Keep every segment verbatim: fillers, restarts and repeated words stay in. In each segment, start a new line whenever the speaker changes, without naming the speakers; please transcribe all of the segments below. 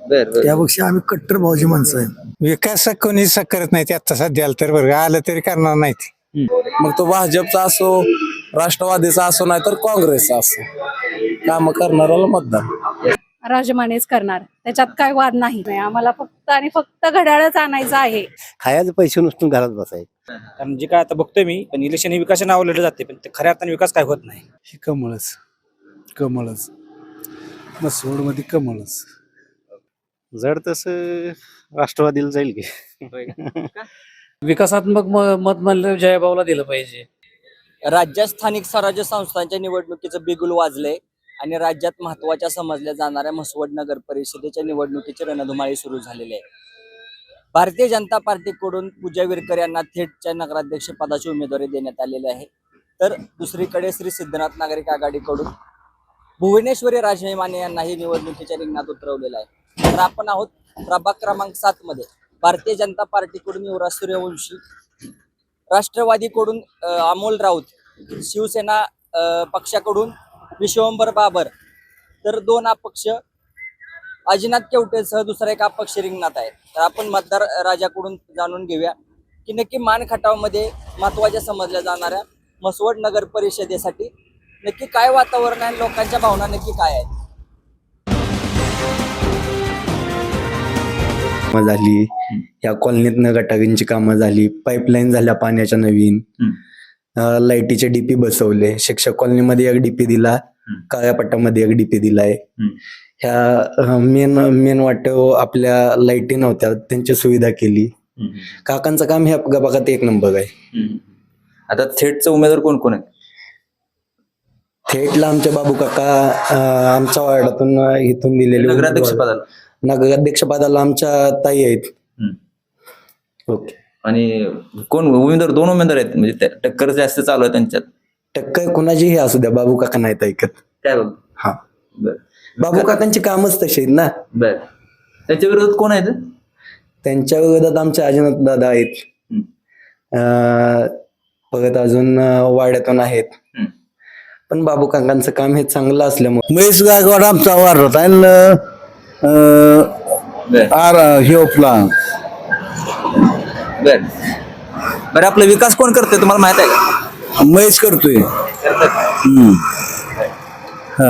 बर बर
त्यापेक्षा आम्ही कट्टर भाऊजी माणसं आहे.
विकास कोणी करत नाही आता सध्याला तर बरं आलं तरी करणार नाहीत.
मग तो भाजपचा असो, राष्ट्रवादीचा असो, नाही तर काँग्रेसचा असो, काम करणाऱ्याला मतदान.
राजमानेच करणार, त्याच्यात काय वाद नाही. आम्हाला फक्त आणि फक्त घड्याळच आणायचं आहे.
खायचं पैसे नुसतं घरात बसायचं.
कारण जे काय आता बघतोय मी, पण इलेक्शन हे विकासाने आवडलं जाते, पण ते खऱ्या अर्थाने विकास काय होत नाही.
हे कमळच कमळच मसवड मध्ये कमळच.
जर तसं राष्ट्रवादीला जाईल की
विकासात्मक मत म्हणलं जयभाऊला दिलं पाहिजे.
राज्यात स्थानिक स्वराज्य संस्थांच्या निवडणुकीचं बिगुल वाजलंय आणि राज्यात महत्वाच्या समजल्या जाणाऱ्या म्हसवड नगर परिषदेच्या निवडणुकीची रणधुमाळी सुरू झालेली आहे. भारतीय जनता पार्टीकडून पूजा विरकर यांना थेटच्या नगराध्यक्ष पदाची उमेदवारी देण्यात आलेली आहे. तर दुसरीकडे श्री सिद्धनाथ नागरिक आघाडीकडून भुवनेश्वरी राजे माने यांनाही निवडणुकीच्या रिंगणात उतरवलेलं आहे. तर आपण आहोत प्रभाग क्रमांक सात मध्ये. भारतीय जनता पार्टीकडून युवराज सूर्यवंशी, राष्ट्रवादीकडून अमोल राऊत, शिवसेना पक्षाकडून विश्वंभर बाबर, तर दोन अपक्ष अजिनाथ केवटेसह दुसरा एक अपक्ष रिंगणात आहे. तर आपण मतदार राजाकडून जाणून घेऊया की नक्की मान खटावमध्ये महत्वाच्या समजल्या जाणाऱ्या म्हसवड नगर परिषदेसाठी नक्की काय वातावरण आहे, लोकांच्या भावना नक्की काय आहेत.
झाली या कॉलनीतनं गटारींची कामं झाली, पाईपलाईन झाल्या पाण्याच्या नवीन, लाईटीचे डीपी बसवले. शिक्षक कॉलनीमध्ये एक डीपी दिला, काळ्या पट्ट्यामध्ये एक डीपी दिलाय. ह्या मेन मेन वाटव आपल्या लाईटी नव्हत्या, त्यांची सुविधा केली. काकांचं काम ह्या भागात एक नंबर आहे.
आता थेटचे उमेदवार कोण कोण आहेत?
थेटला आमचे बाबू काका आमच्या वार्डातून इथून दिलेले
नगराध्यक्ष पदाला
नगराध्यक्ष पदाला आमच्या ताई आहेत.
ओके. आणि कोण उमेदवार? दोन उमेदवार आहेत, म्हणजे टक्कर जास्त चालू आहे त्यांच्यात.
टक्कर कुणाचीही असू द्या, बाबू काका नाहीत ऐकत.
काय बघ.
हा बर. बाबू काकांची कामच तशी आहेत ना.
बर. त्याच्या विरोधात कोण आहेत?
त्यांच्या विरोधात आमचे अजिनाथ दादा आहेत. परत अजून वाड्यातून आहेत. पण बाबू काकांचं काम हे चांगलं असल्यामुळे
महेश गायकवाड आमचा वारत आहे हे आपला.
बर बर. आपला विकास कोण करतोय तुम्हाला माहित आहे का?
महेश करतोय. हा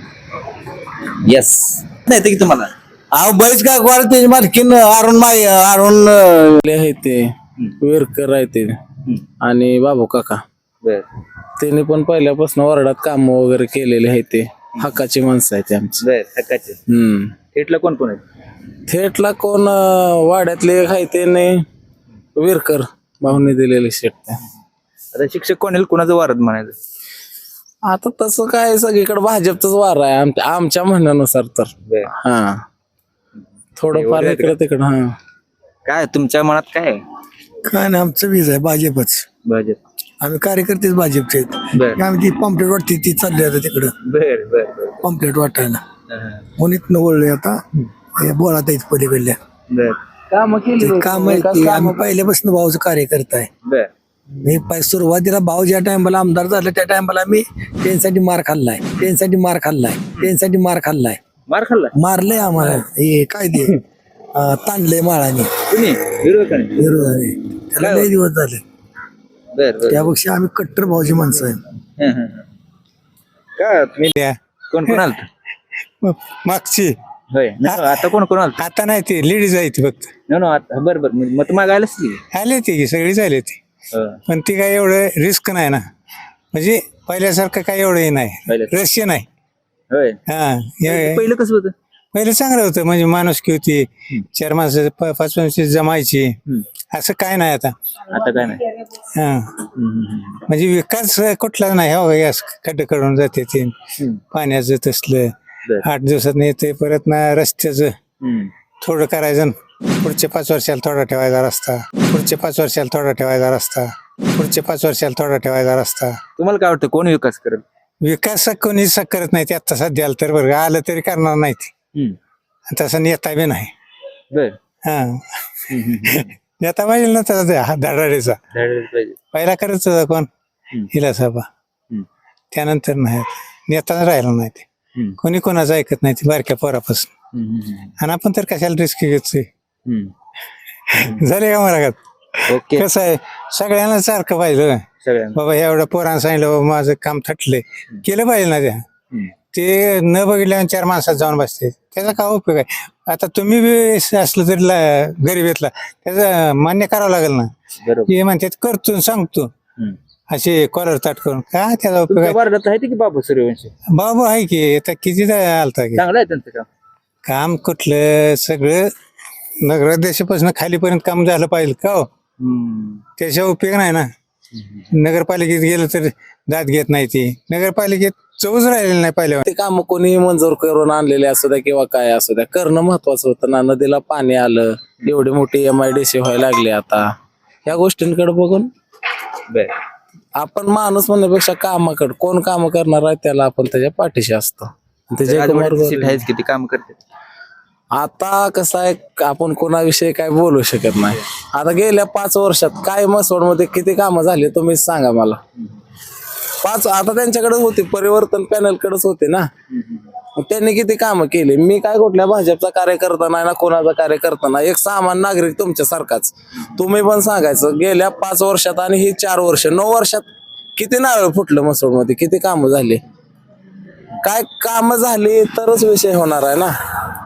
येस. नाही की तुम्हाला
अहो महेश गायकवाड त्याची मालकीन अरुण माय अरुण
आहे ते विरकर आहे ते आणि बाबू काका.
बर.
त्यांनी पण पहिल्यापासून वार्डात काम वगैरे केलेले आहे. ते हक्काची माणसं आहेत आमची.
बर. हक्काचे.
हम्म
थेटला कोण कोण आहेत?
थेटला कोण वाड्यातले आहे ते नाही, विरकर भाऊने दिलेले शेट.
आता शिक्षक कोण येईल, कोणाचं वारद म्हणायचं?
आता तसं काय सगळीकडे भाजपचाच वार आहे आमच्या आमच्या म्हणण्यानुसार. तर हा थोडंफार इकडे तिकडं. हा
काय तुमच्या मनात काय आहे?
काय नाही, आमचं वीज आहे भाजपच.
भाजप.
आम्ही कार्यकर्तेच भाजपचे आहेत. आम्ही ती पंपलेट वाटते ती चालली आता तिकडं
बर बर
पंपलेट वाटायला. म्हणून वळलोय आता बोळा ताईच पलीकडल्या.
बर.
काम केली
काम आम्ही पहिल्यापासून भाऊचं कार्यकर्ता आहे.
बर.
मी पाय- सुरुवातीला भाऊ ज्या टायमाला आमदार झालं त्या टायमाला मी त्यांच्यासाठी मार खाल्लाय त्यांच्यासाठी मार खाल्लाय त्यांच्यासाठी मार खाल्लाय
मार खाल्ला.
मारलंय आम्हाला. हे काय ते अं, ताणलंय माळाने
कुणी? विरोधकाने?
विरोधाने. त्याला लय दिवस झाले.
बर बर.
त्यापेक्षा आम्ही कट्टर भाऊजी माणसं आहे.
हं, हं, हं. काय तुम्ही कोण कोण आलत?
मागची
होय. नाही, आता कोण कोण आलत?
आता नाही, ते लेडीज आहे ती फक्त.
नो नो आता बर बर. मत मागायलाच ती.
आले ते की सगळीच आले ते. पण ती काय एवढं रिस्क नाही ना, म्हणजे पहिल्यासारखं काय एवढं हे नाही,
पहिल्या-
रहस्य नाही.
होय.
हा हे-
पहिलं कसं होतं?
पहिलं चांगलं होतं, म्हणजे माणुसकी होती, चार माणसं प- पाच माणसं जमायची. असं काय नाही आता.
आता काय नाही.
हा म्हणजे विकास कुठलाच नाही. हो गॅस खड्डे कडून जाते ते पाण्याचं तसलं.
बर.
आठ दिवसात येते. परत ना रस्त्याचं
हं.
थोडं करायचं, पुढच्या पाच वर्षाला थोडा ठेवायचा रस्ता, पुढच्या पाच वर्षाला थोडा ठेवायचा रस्ता, पुढच्या पाच वर्षाला थोडा ठेवायचा रस्ता.
तुम्हाला काय वाटतं कोण विकास करेल?
विकास कोणीच करत नाही ते आता सध्याला तर. बरं आलं तरी करणार नाहीत.
हं.
तसं नेता बी नाही.
बर.
हा नेता पाहिजे ना तसा हा धडाडीचा.
धाडायला पाहिजे.
पहिला करत होता कोण? हिला सभा. त्यानंतर नाही, नेताच राहिला नाही ते. कोणी कोणाचं ऐकत नाही ते बारक्या पोरापासून. आणि आपण तर कशाला रिस्क घेतोय. झाले का मला
ओके
कसं आहे सगळ्यांना सारखं पाहिजे बाबा एवढं पोरांना सांगितलं बाबा माझं काम थटलंय केलं पाहिजे ना त्या ते न बघितल्यावर चार माणसात जाऊन बसते त्याचा काय उपयोग आहे. आता तुम्ही बी असलं तरी ला- गरीबीतला त्याचं मान्य करावं लागेल ना. हे म्हणतात करतो सांगतो असे कॉलर ताट करून काय त्याचा उपयोग आहे.
वार्डात आहे की बाबा सूर्यवंशी
बाबू आहे की आता किती आलता की
चांगलं आहे त्यांचं काम.
काम कुठलं सगळं नगराध्यक्षापासून खालीपर्यंत काम झालं पाहिजे का हो त्याच्या उपयोग नाही ना. नगरपालिकेत गेलं तर दाद घेत नाही ती नगरपालिकेत चौच राहिलेली नाही पहिल्या.
ते काम कोणी मंजूर करून आणलेले असू द्या किंवा काय असू द्या करणं महत्वाचं होतं ना. नदीला पाणी आलं एवढी मोठी एम आय डी सी व्हायला लागली आता या गोष्टींकडे बघून आपण माणूस म्हणण्यापेक्षा कामाकडे कोण काम करणार आहे त्याला आपण त्याच्या पाठीशी असतो. ते जयकुमार गोरे-
किती काम करते
आता कसं आहे आपण कोणाविषयी काय बोलू शकत नाही. आता गेल्या पाच वर्षात काय मसवड मध्ये किती कामं झाली तुम्हीच सांगा मला. पाच आता त्यांच्याकडेच होते परिवर्तन पॅनल कडेच होते ना. मग त्यांनी किती कामं केली. मी काय कुठल्या भाजपचा कार्यकर्ता नाही ना कोणाचा कार्यकर्ता नाही एक सामान्य नागरिक तुमच्यासारखाच. तुम्ही पण सांगायचं गेल्या पाच वर्षात आणि ही चार वर्ष नऊ वर्षात किती नारळ फुटलं मसवड मध्ये किती कामं झाली. काय कामं झाली तरच विषय होणार आहे ना.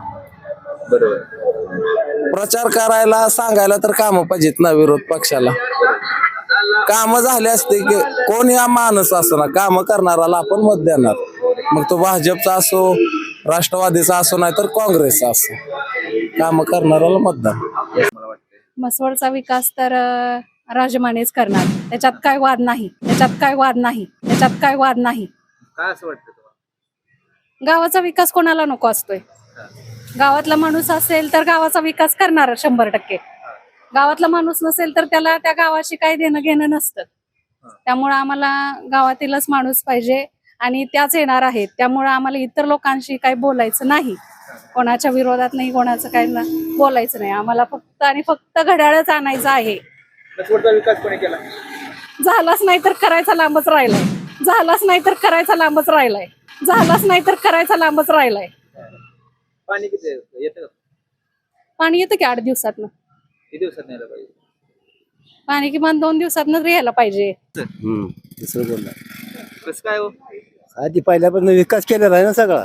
प्रचार करायला सांगायला तर कामं पाहिजेत ना विरोध पक्षाला. कामं झाले असते की कोण या माणूस असो ना कामं करणाराला आपण मत देणार. मग तो भाजपचा असो राष्ट्रवादीचा असो नाही तर काँग्रेसचा असो कामं करणाराला मतदान.
मसवडचा विकास तर अं, राजमानेच करणार. त्याच्यात काय वाद नाही त्याच्यात काय वाद नाही त्याच्यात काय वाद नाही.
काय असं वाटतं तुम्हाला.
गावाचा विकास कोणाला नको असतोय. गावातला माणूस असेल तर गावाचा विकास करणार शंभर टक्के. गावातला माणूस नसेल तर त्याला त्या गावाशी काही देणं घेणं नसतं. त्यामुळं आम्हाला गावातीलच माणूस पाहिजे आणि त्याच येणार आहेत. त्यामुळं आम्हाला इतर लोकांशी काही बोलायचं नाही. कोणाच्या विरोधात नाही कोणाचं काही ना बोलायचं नाही. आम्हाला फक्त आणि फक्त घड्याळच आणायचं आहे.
विकास कोणी केला.
झालाच नाही तर करायचा लांबच राहिलाय. झालाच नाही तर करायचा लांबच राहिलाय. झालाच नाही तर करायचा लांबच राहिलाय.
पाणी किती येतं
पाणी येतं की आठ दिवसातनं.
किती दिवसात न्यायला पाहिजे.
पाणी किमान दोन दिवसातनं यायला पाहिजे.
दुसरं बोलला
कसं काय हो.
आधी पहिल्यापासून विकास केलेला आहे ना सगळा.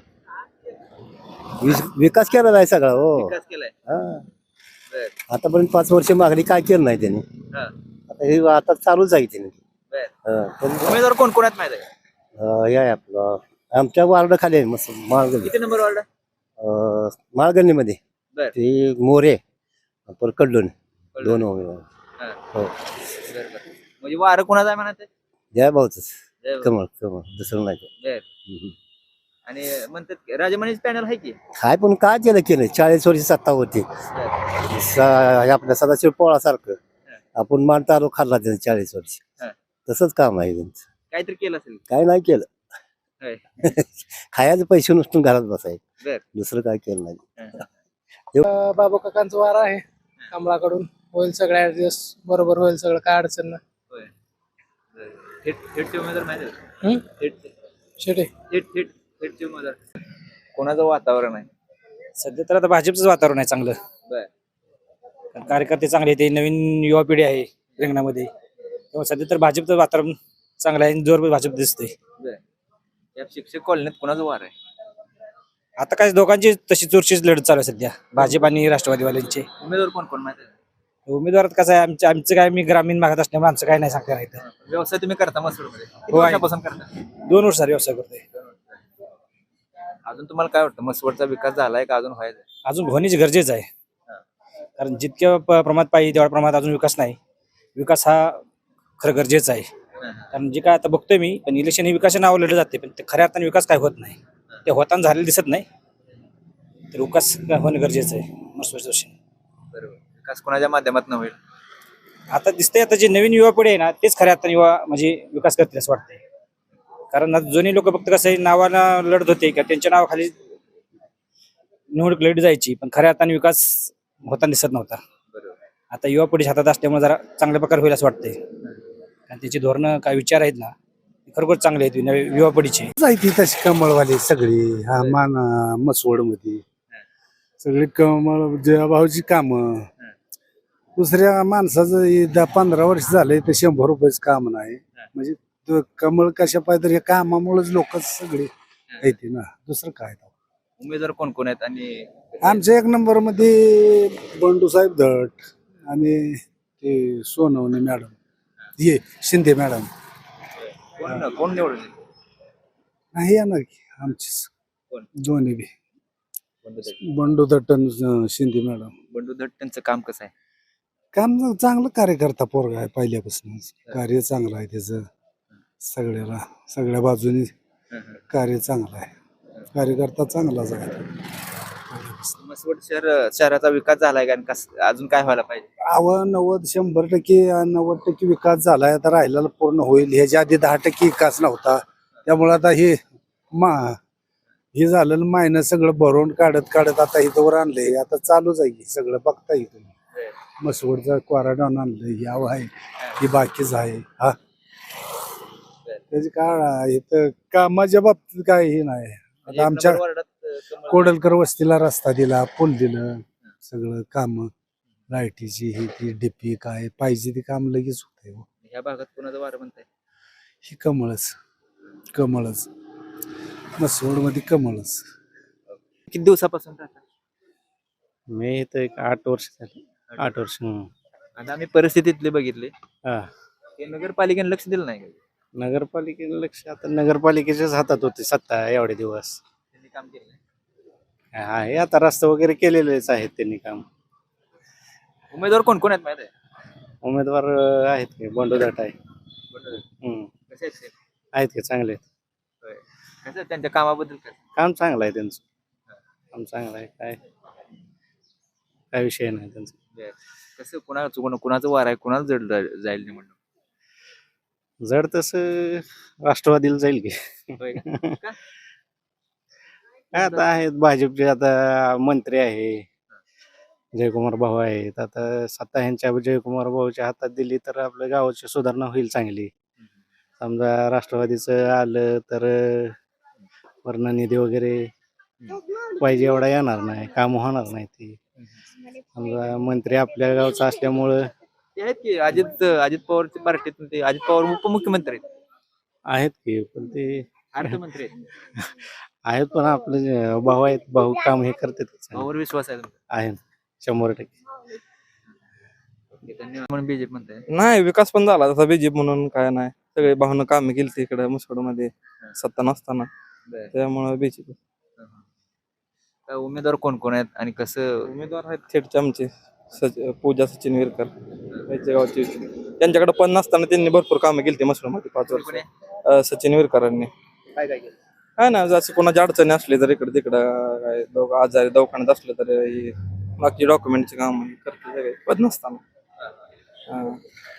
विस- विकास केलेला आहे सगळा हो.
विकास केलाय.
हा. आतापर्यंत पाच वर्ष मागणी काय केलं नाही त्यांनी. आता हे आता चालूच आहे त्यांनी. हा. पण,
उमेदवार कोण कोणात माहित आहे.
अं, हे आहे आपलं आमच्या वार्ड खाली आहे मस्त माळगल्ली.
किती नंबर वार्ड.
अं, माळगल्लीमध्ये
बर.
ते मोरे पर कडलोन दोन उमेदवार. हो
म्हणजे वारं कोणाचा आहे म्हणत.
जय भाऊच कमळ कमळ दुसरं नाही. हम्म.
आणि म्हणतात राजमानीच पॅनल आहे की.
काय पण काय केलं केलं चाळीस वर्ष सत्ता होती स- आपल्या सदाशिव पोळासारखं आपण मान तालुका खाल्ला त्यांनी चाळीस वर्ष
हा.
तसंच काम आहे त्यांचं.
काहीतरी केलं असेल.
काय नाही केलं
होय.
खायचे पैसे नुसतं घरात बसायचे
बर.
दुसरं काय केलं नाही.
बाबा काकांचा वार आहे कमळाकडून होईल सगळ्या ऍडजस्ट बरोबर होईल सगळं काय अडचण नाही.
होय. थेट थेटचे उमेदवार माहिती आहे.
हम्म?
थेट
शेटे
थेट थेट थेटचे उमेदवार कोणाचं वातावरण आहे.
सध्या तर आता भाजपचंच वातावरण आहे चांगलं.
बर.
कारण कार्यकर्ते चांगले आहेत नवीन युवा पिढी आहे रिंगणामध्ये तेव्हा सध्या तर भाजपचं वातावरण चांगलं आहे जोर भाजप दिसतंय.
बर. या शिक्षक कॉलनीत कोणाचं वार आहे.
आता काय दोघांची तशी चोरशीच लढत चालू आहे सध्या भाजप आणि राष्ट्रवादीवाल्यांचे.
उमेदवार कोण कोण माहिती आहे.
उमेदवारात कसं आहे आमच्या आमचं काय मी ग्रामीण भागात असल्यामुळे आमचं काय नाही सांगता येणार.
व्यवसाय तुम्ही करता मसूरमध्ये किती
हो, आहे.
वर्षापासून करता.
दोन वर्ष व्यवसाय करतोय.
अजून तुम्हाला काय वाटतं मसवडचा विकास झालाय का अजून व्हायचा.
अजून होणेच गरजेचं आहे कारण जितक्या प- प्रमाणात पाहिजे तेवढ्या प्रमाणात अजून विकास नाही. विकास हा खरं गरजेचा आहे कारण जे काय आता बघतोय मी पण इलेक्शन हे विकासाच्या नावावर लढलं जाते पण ते खऱ्या अर्थाने विकास काय होत नाही. ते होताना झालेलं दिसत नाही तर विकास होणं गरजेचं आहे मसवड जोशी.
बरोबर. विकास कोणाच्या माध्यमातून होईल.
आता दिसतंय आता जे नवीन युवा पिढी आहे ना तेच खऱ्या अर्थाने युवा म्हणजे विकास करतील असं वाटतंय कारण आता जुनी लोक फक्त कसं आहे नावाला लढत होते का त्यांच्या नावाखाली निवडणूक लढली जायची पण खऱ्या अर्थाने विकास होताना दिसत नव्हता. आता युवा पिढी हातात असल्यामुळे जरा चांगल्या प्रकारे होईल असं वाटतंय कारण त्याची धोरणं काय विचार आहेत ना खरोखर चांगले आहेत नवी युवा पिढीचे.
जायती तशी कमळवाली सगळी हा मान मसवड मध्ये सगळी कमळ जयाभाऊची कामं. दुसऱ्या माणसाचं हे दहा पंधरा वर्ष झाले ते शंभर रुपयाचं काम नाही. म्हणजे तो कमळ कशा पाहिजे तर या कामामुळेच लोक सगळे येते ना, दुसरं काय.
उमेदवार कोण कोण आहेत आणि
आमच्या एक नंबर मध्ये बंडू साहेब धट आणि ते सोनवणे मॅडम, ये शिंदे मॅडम.
कोण कोण निवडून
नाही येणार की आमचीच
कोण?
दोन्ही बी
बंडू दट.
बंडू दट्ट आणि शिंदे मॅडम.
बंडू दट त्यांचं काम कसं आहे?
काम चांगलं कार्यकर्ता पोरगा आहे पहिल्यापासून. कार्य चांगलं आहे त्याचं, सगळ्याला सगळ्या बाजूनी कार्य चांगलं आहे. कार्यकर्ता चांगलाच आहे.
मसवड शहर शहराचा विकास झालाय का आणि कस- अजून काय व्हायला पाहिजे?
आव नव्वद शंभर टक्के नव्वद टक्के विकास झालाय, आता राहिलेला पूर्ण होईल. ह्याच्या आधी दहा टक्के विकास नव्हता, त्यामुळे आता हे मा हे झालं मायनस सगळं भरून काढत काढत आता इथं वर आणलंय. आता चालूच आहे सगळं, बघता येईल. मसवडचा क्वाराडाऊन आणलंय, याव आहे ही बाकीच आहे. हा त्याची काय इथं कामाच्या बाबतीत काय हे नाही. आता आमच्या कोडलकर वस्तीला रस्ता दिला, पूल दिलं, सगळं काम लाईटीची ही ती डीपी काय पाहिजे ती काम लगेच होत.
या भागात कोणाचं वारं म्हणताय?
ही कमळच कमळच मसवड मध्ये कमळच.
किती दिवसापासून राहतात?
मी इथं एक आठ वर्ष झाली. आठ वर्ष.
आता आम्ही परिस्थितीतले बघितले,
हा.
ते नगरपालिकेने लक्ष दिलं नाही का?
नगरपालिकेचं लक्ष आता नगरपालिकेच्याच हातात होते सत्ता एवढे दिवस.
त्यांनी काम केलं नाही.
आहे आता रस्ते वगैरे केलेलेच आहेत त्यांनी काम.
उमेदवार कोण कोण आहेत माहिती आहे?
उमेदवार अं, आहेत की बंडू दट आहे.
बंडू दट.
हम्म.
कसे आहेत ते?
आहेत की चांगले आहेत.
होय. कसं आहे त्यांच्या कामाबद्दल काय?
काम चांगलं आहे त्यांचं. काम चांगलं आहे. काय काय विषय नाही त्यांचा.
बरं. कसं कुणाचं कोण कुणाचं वार आहे, कुणाला जड जा- जाईल निवडणूक?
जड तसं राष्ट्रवादीला जाईल की.
होय का? का?
काय आता आहेत भाजपचे आता मंत्री आहे, जयकुमार भाऊ आहेत. आता सत्ता ह्यांच्या जयकुमार भाऊच्या हातात दिली तर आपल्या गावाची सुधारणा होईल चांगली. समजा राष्ट्रवादीचं आलं तर वर्ण निधी वगैरे पाहिजे एवढा येणार नाही, काम होणार नाही. ती समजा मंत्री आपल्या गावचा असल्यामुळं
ते आहेत की अजित अजित पवारच्या पार्टीतून ते अजित पवार उपमुख्यमंत्री आहेत,
आहेत की, पण ते
अर्थमंत्री आहेत.
आहेत पण आपले जे भाऊ आहेत, भाऊ काम हे करतात की चांगलं.
भावावर विश्वास आहे तुमचा?
आहे शंभर टक्के.
ओके, धन्यवाद. म्हणून बीजेपी म्हणताय.
नाही विकास पण झाला तसा बीजेपी म्हणून काय नाही. सगळे भावना कामे केली इकडे मसवड मध्ये सत्ता नसताना,
बरं.
त्यामुळे बीजेपी.
काय उमेदवार कोण कोण आहेत आणि कसं?
उमेदवार आहेत थेटचे आमचे सच पूजा सचिन विरकर यांच्या गावचे. त्यांच्याकडे पण नसताना त्यांनी भरपूर कामं केली मसवड मध्ये पाच वर्ष. अं, सचिन विरकरांनी
काय काय केलं?
काय ना जसं कोणाची अडचणी असली तर इकडे तिकडं काय दो आजारी दवाखान्यात असले तर ही बाकी डॉक्युमेंटचे काम करते सगळे पद नसताना. हा.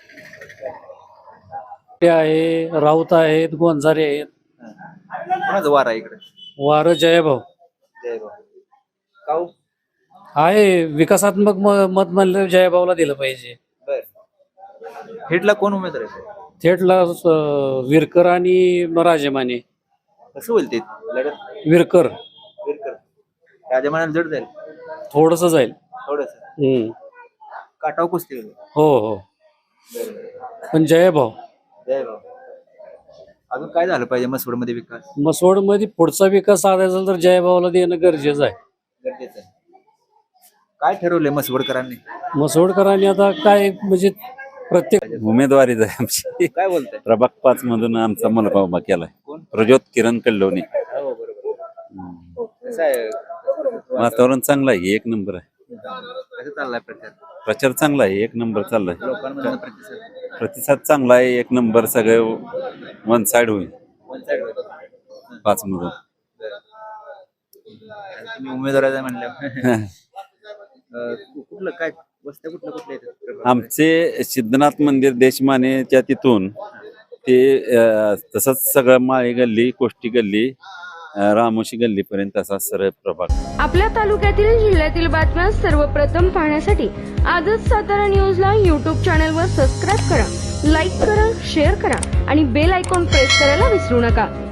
आहे राऊत आहेत, गोंजारे आहेत.
कोणाचं वार आहे इकडे?
वार जयभाऊ
जय भाऊ. काऊ?
आहे. विकासात्मक म- मत म्हणलं जयभाऊला दिलं पाहिजे.
बर. हेडला कोण उमेदवार आहे?
थेटला अं, विरकर आणि राजेमाने.
कसं होईल ते लढत?
विरकर
विरकर राजमानाला जड जाईल
थोडस जाईल.
थोडस.
हम्म.
काटाव कुस्ती होईल.
हो हो पण जयभाऊ.
जय भाऊ. अजून काय झालं पाहिजे मसवड मध्ये विकास?
मसवड मध्ये पुढचा विकास साधायचा असेल तर जयभाऊला देणं गरजेचं आहे.
गरजेचं आहे. काय ठरवलंय मसवडकरांनी?
मसवडकरांनी आता काय म्हणजे प्रत्येक
उमेदवारीच आहे आमची.
काय बोलताय?
प्रभाग पाच मधून आमचा मनोभाव उभा केलाय.
कोण?
प्रज्योत किरण कल्लोनी.
हो बरोबर. कसं आहे
वातावरण चांगलं आहे, एक नंबर आहे.
कसं चाललाय प्रचार?
प्रचार चांगला आहे, एक नंबर चाललाय.
लोकांमध्ये प्रतिसाद
प्रतिसाद चांगला आहे, एक नंबर. सगळे वन साइड होईल
वन साइड होतं.
पाच मधून.
तुम्ही उमेदवाराचा म्हणल्या कुठलं काय वस्त्या कुठलं कुठलं येतात?
आमचे सिद्धनाथ मंदिर देशमानेच्या तिथून ते अं, तसंच सगळं माळी गल्ली, कोष्टी गल्ली, अं, रामोशी गल्ली पर्यंत असा सरळ प्रभाग.
आपल्या तालुक्यातील जिल्ह्यातील बातम्या सर्वप्रथम पाहण्यासाठी आजच सातारा न्यूजला यूट्यूब चॅनलवर सबस्क्राईब करा, लाईक करा, शेअर करा आणि बेल आयकॉन प्रेस करायला विसरू नका.